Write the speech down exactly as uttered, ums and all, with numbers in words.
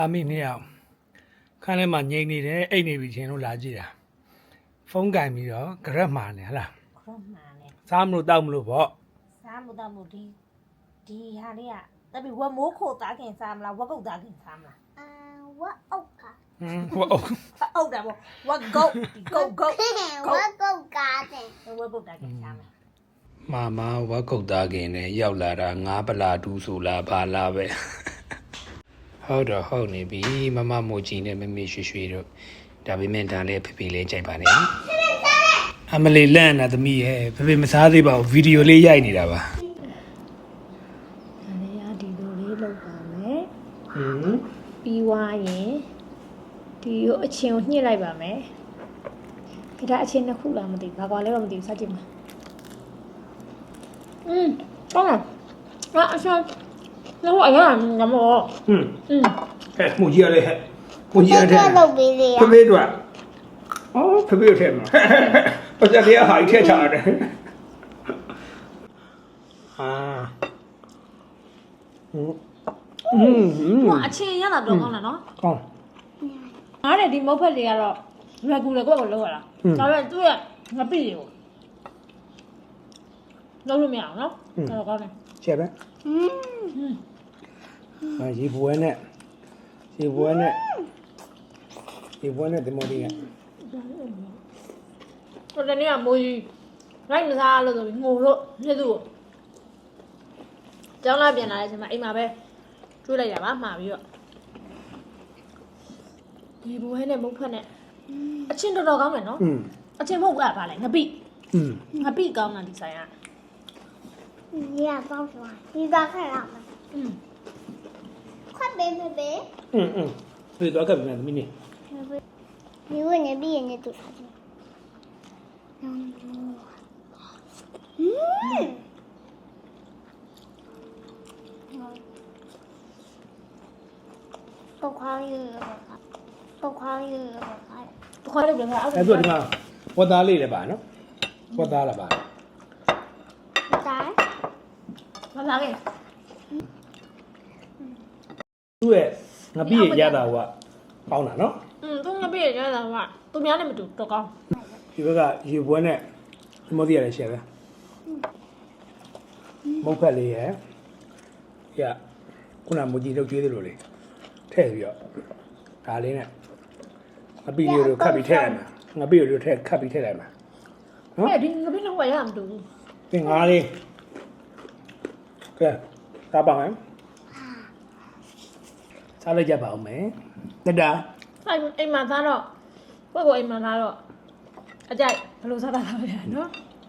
အမိနှစ်ယောက်ခန်းထဲမှာငြိမ်နေတယ်အိတ်နေပြီချင်းလို့လာကြည့်တာဖုန်းကင်ပြီးတော့ကြရက်မှာနေဟလားခရမှန်လေစားမလို့တောက်မလို့ပေါ့စားမှုတော့မှုဒီဒီဟာလေးကတပီဝက်မိုးခိုသားခင်စားမလားဝက်ကုတ်သားခင်စားမလားအာဝတ်အုတ်ကဟင်းဟိုအုပ်အုတ်တယ်ပေါ့ဝက်ကုတ်ဒီကုတ်ကုတ်ဝတ်ကုတ်ကားတဲ့ဝက်ကုတ်သားခင်စားမလားမာမဝက်ကုတ်သားခင်နဲ့ရောက်လာတာငါးပလာတူးဆိုလားဘာလားပဲဟုတ်တော့ဟုတ်နေပြီမမမို့ကြီးနဲ့မမေရွှေရွှေတို့ဒါပေမဲ့ဒါလည်းဖေဖေလေးကြိုက်ပါနဲ့အမလီလန့်နာသမီးရဲ့ဖေဖေမစားသေးပါဘူးဗီဒီယိုလေးရိုက်နေတာပါဒါလေးရဒီလိုလေးလောက်ပါမယ်ဟင်းပြီးွားရင်ဒီကိုအချင်းကိုညှစ်လိုက်ပါမယ်ဒီဒါအချင်းနှစ်ခုလားမသိဘာကွာလဲတော့မသိဘူးစကြည့်မှာอืมကောင်းလားအာအချင်းလောအရာငမောဟင်းอืมဟဲ့မှုကြီးရလေဟဲ့မှုကြီးရတဲ့လုပ်ပေးလေဖေဖေတို့အော်ဖေဖေထဲမှာပတ်စံလေးဟာထည့်ချတယ်အာဟင်းဟင်းဟင်းဟိုအချင်းရတာတော့ကောင်းလားနော်ကောင်းငါတဲ့ဒီမုတ်ဖက်တွေကတော့လွယ်ကူလေကိုယ့်ကိုလောက်ရတာဒါပေမဲ့သူ့ရဲ့ငပိတွေကိုလုံးလို့မရအောင်နော်တော့ကောင်းတယ်ကျဲပဲอืมအာရေပွဲနဲ့ရေပွဲနဲ့ရေပွဲနဲ့ဒီမိုဒီကဟိုတနေ့ကမိုးကြီးလိုက်မစားလို့ဆိုပြီးငိုလို့မြစ်သူ့ကိုကျောင်းလာပြန်လာတဲ့အချိန်မှာအိမ်မှာပဲကျွေးလိုက်တာပါမှာပြီးတော့ဒီဘွဲနဲ့မုတ်ဖက်နဲ့အချင်းတော်တော်ကောင်းတယ်နော်อืมအချင်းမဟုတ်ကပါလေငပိอืมငပိကောင်းတာဒီဆိုင်က你俩帮什么？你帮看什么？ อืม快背背背！ อืมอืมပြေတော့ကပ်ပြန်သမီးနေ你问你闭眼睛读啥去？嗯。不宽裕，不宽裕，不宽裕。 တခွားလေးပြန်လာအဲ့အဲ့တော့ဒီမှာဝတ်သားလေးလည်းပါနော်ဝတ်သားလည်းပါ来， မလာခဲ့သူ့ရဲ့ငပိရရတာကကောင်းတာနော်อืมသူငပိရရတာကသူများနဲ့မတူတော့ကောင်းဒီဘက်ကရေပွဲနဲ့ဒီမိုဒီရလည်းရှယ်ပဲမုတ်ဖက်လေးရယ်ရခုနမူကြီးလောက်ကျွေးသလိုလေးထည့်ပြီးတော့ဒါလေးနဲ့ငပိလေးကိုခတ်ပြီးထည့်လိုက်မှာငပိလေးကိုထည့်ခတ်ပြီးထည့်လိုက်မှာနော်အဲ့ဒီငပိလုံးဝရမှာမတူဘူးသင်္ကားလေးကဲစားပါမယ်စားလိုက်ကြပါဦးမယ်တက်တာအဲ့အိမ်မှာသားတော့ကိုယ့်ကိုအိမ်မှာသားတော့အကြိုက်ဘယ်လိုစားတာလဲနော်